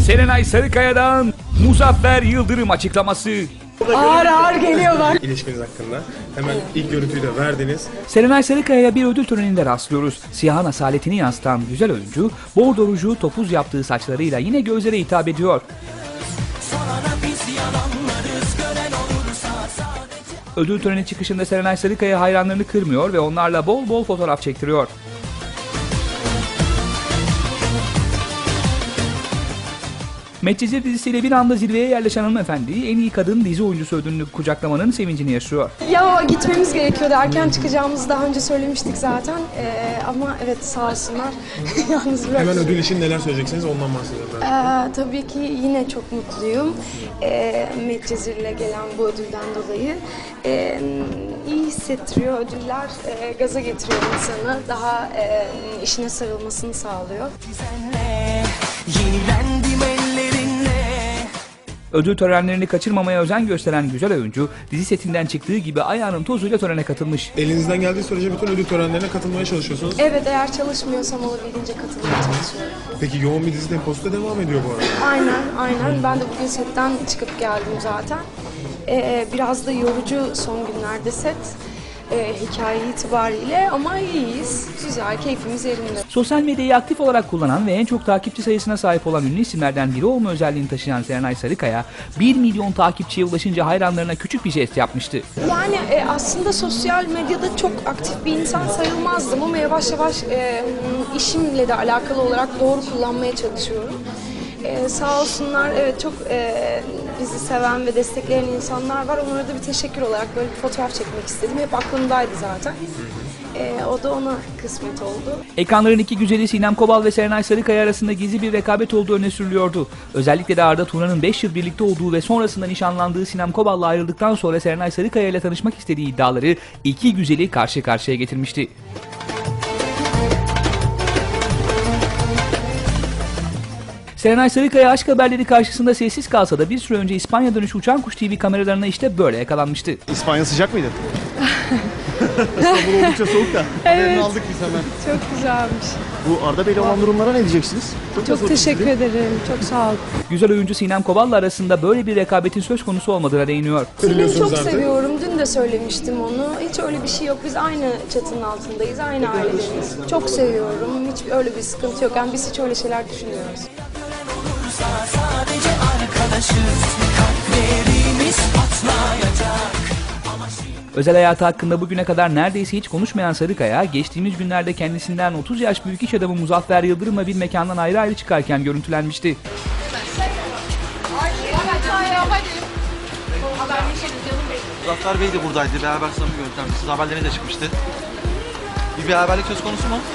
Serenay Sarıkaya'dan Muzaffer Yıldırım açıklaması. Ağır ağır geliyor bak. İlişkiniz hakkında. Hemen ilk görüntüyü de verdiniz. Serenay Sarıkaya'ya bir ödül töreninde rastlıyoruz. Siyahın asaletini yansıtan güzel oyuncu, bordo ruju topuz yaptığı saçlarıyla yine gözlere hitap ediyor. Ödül töreni çıkışında Serenay Sarıkaya hayranlarını kırmıyor ve onlarla bol bol fotoğraf çektiriyor. Medcezir dizisiyle bir anda zirveye yerleşen hanımefendi en iyi kadın dizi oyuncusu ödülünü kucaklamanın sevincini yaşıyor. Ya gitmemiz gerekiyordu. Erken çıkacağımızı daha önce söylemiştik zaten. Ama evet sağ olsunlar. Yalnız bırak. Hemen ödül için neler söyleyeceksiniz ondan bahsedelim. Tabii ki yine çok mutluyum. Medcezir'le gelen bu ödülden dolayı. İyi hissettiriyor ödüller. Gaza getiriyor insanı. Daha işine sarılmasını sağlıyor. Ödül törenlerini kaçırmamaya özen gösteren güzel oyuncu, dizi setinden çıktığı gibi ayağının tozuyla törene katılmış. Elinizden geldiği sürece bütün ödül törenlerine katılmaya çalışıyorsunuz. Evet, eğer çalışmıyorsam olabildiğince katılmaya çalışıyorum. Peki yoğun bir dizi temposu da devam ediyor bu arada. Aynen. Ben de bugün setten çıkıp geldim zaten. Biraz da yorucu son günlerde set. Hikaye itibariyle ama iyiyiz. Güzel, keyfimiz yerinde. Sosyal medyayı aktif olarak kullanan ve en çok takipçi sayısına sahip olan ünlü isimlerden biri olma özelliğini taşıyan Serenay Sarıkaya, 1 milyon takipçiye ulaşınca hayranlarına küçük bir jest yapmıştı. Yani aslında sosyal medyada çok aktif bir insan sayılmazdım ama yavaş yavaş işimle de alakalı olarak doğru kullanmaya çalışıyorum. Sağ olsunlar, evet çok bizi seven ve destekleyen insanlar var. Onlara da bir teşekkür olarak böyle bir fotoğraf çekmek istedim. Hep aklımdaydı zaten. O da ona kısmet oldu. Ekranların iki güzeli Sinem Kobal ve Serenay Sarıkaya arasında gizli bir rekabet olduğu öne sürülüyordu. Özellikle de Arda Turan'ın 5 yıl birlikte olduğu ve sonrasında nişanlandığı Sinem Kobal'la ayrıldıktan sonra Serenay Sarıkaya ile tanışmak istediği iddiaları iki güzeli karşı karşıya getirmişti. Serenay Sarıkaya aşk haberleri karşısında sessiz kalsa da bir süre önce İspanya dönüşü Uçan Kuş TV kameralarına işte böyle yakalanmıştı. İspanya sıcak mıydı? İstanbul oldukça soğuk da. Haberini aldık biz hemen. Çok güzelmiş. Bu Arda Bey'le olan durumlara ne diyeceksiniz? Çok teşekkür ederim. Çok sağ ol. Güzel oyuncu Sinem Kobal'la arasında böyle bir rekabetin söz konusu olmadığına değiniyor. Selin'i çok seviyorum. Dün de söylemiştim onu. Hiç öyle bir şey yok. Biz aynı çatının altındayız. Aynı ailedeniz. Çok seviyorum. Hiç öyle bir sıkıntı yok. Yani biz hiç öyle şeyler düşünmüyoruz. Sadece arkadaşız, kalplerimiz patlayacak. Özel hayatı hakkında bugüne kadar neredeyse hiç konuşmayan Sarıkaya, geçtiğimiz günlerde kendisinden 30 yaş büyük iş adamı Muzaffer Yıldırım'la bir mekandan ayrı ayrı çıkarken görüntülenmişti. Muzaffer Bey de buradaydı, beraber samimi görüntülenmişti. Siz haberlerine de çıkmıştı. Bir beraberlik söz konusu mu?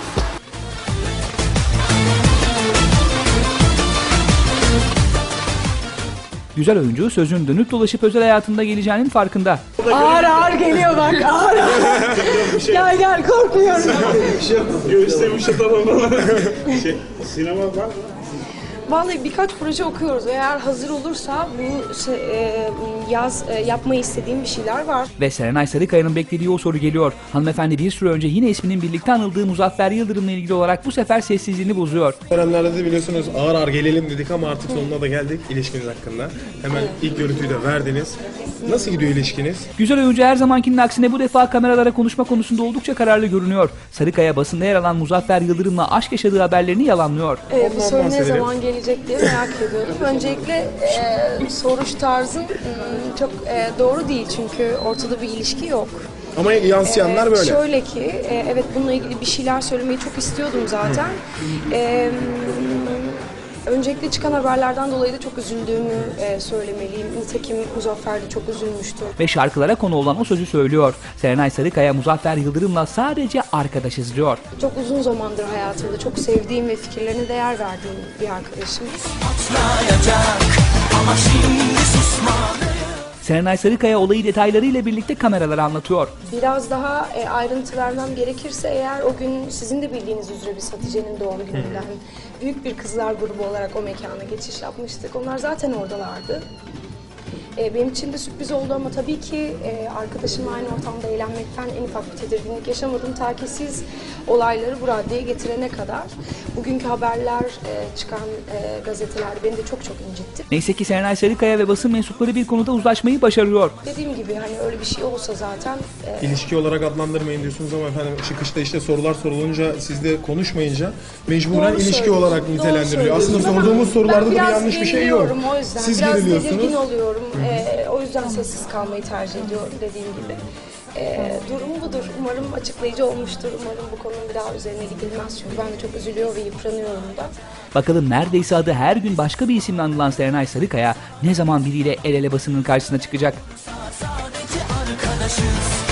Güzel oyuncu sözün dönüp dolaşıp özel hayatında geleceğinin farkında. Ağır ağır geliyor bak. Ağır ağır. Gel korkmuyorum. Göğüslemiş atalım falan. Sinema var mı? Vallahi birkaç proje okuyoruz. Eğer hazır olursa bu yaz yapmayı istediğim bir şeyler var. Ve Serenay Sarıkaya'nın beklediği o soru geliyor. Hanımefendi bir süre önce yine isminin birlikte anıldığı Muzaffer Yıldırım'la ilgili olarak bu sefer sessizliğini bozuyor. Törenlerde de biliyorsunuz ağır ağır gelelim dedik ama artık sonuna da geldik ilişkiniz hakkında. Hemen ilk görüntüyü de verdiniz. Nasıl gidiyor ilişkiniz? Güzel oyuncu her zamankinin aksine bu defa kameralara konuşma konusunda oldukça kararlı görünüyor. Sarıkaya basında yer alan Muzaffer Yıldırım'la aşk yaşadığı haberlerini yalanlıyor. Bu soru ne zaman gelecek diye merak ediyorum. Öncelikle soruş tarzın çok doğru değil çünkü ortada bir ilişki yok. Ama yansıyanlar böyle. Şöyle ki, evet bununla ilgili bir şeyler söylemeyi çok istiyordum zaten. Öncelikle çıkan haberlerden dolayı da çok üzüldüğümü söylemeliyim. Nitekim Muzaffer de çok üzülmüştü. Ve şarkılara konu olan o sözü söylüyor. Serenay Sarıkaya Muzaffer Yıldırım'la sadece arkadaşız diyor. Çok uzun zamandır hayatımda çok sevdiğim ve fikirlerine değer verdiğim bir arkadaşım. Ama şimdi susmalıyım. Serenay Sarıkaya olayı detaylarıyla birlikte kameralara anlatıyor. Biraz daha ayrıntı vermem gerekirse eğer o gün sizin de bildiğiniz üzere biz Hatice'nin doğum gününden büyük bir kızlar grubu olarak o mekana geçiş yapmıştık. Onlar zaten oradalardı. Benim için de sürpriz oldu ama tabii ki arkadaşımla aynı ortamda eğlenmekten en ufak bir tedirginlik yaşamadım. Ta ki siz olayları bu raddeye getirene kadar. Bugünkü haberler, çıkan gazeteler beni de çok incitti. Neyse ki Serenay Sarıkaya ve basın mensupları bir konuda uzlaşmayı başarıyor. Dediğim gibi hani öyle bir şey olsa zaten... İlişki olarak adlandırmayın diyorsunuz ama efendim çıkışta işte sorular sorulunca siz de konuşmayınca mecburen Doğru ilişki söylüyorsun, olarak doğru nitelendiriliyor. Aslında söylüyorsun. sorduğumuz sorularda da bir biraz yanlış bir şey yok. geriliyorum o yüzden. Siz biraz geriliyorsunuz. tedirgin oluyorum. O yüzden sessiz kalmayı tercih ediyorum dediğim gibi. Durum budur. Umarım açıklayıcı olmuştur. Umarım bu konunun bir daha üzerine gidilmez. Çünkü ben de çok üzülüyor ve yıpranıyorum da. Bakalım neredeyse adı her gün başka bir isimle anılan Serenay Sarıkaya ne zaman biriyle el ele basının karşısına çıkacak? Sadece arkadaşız.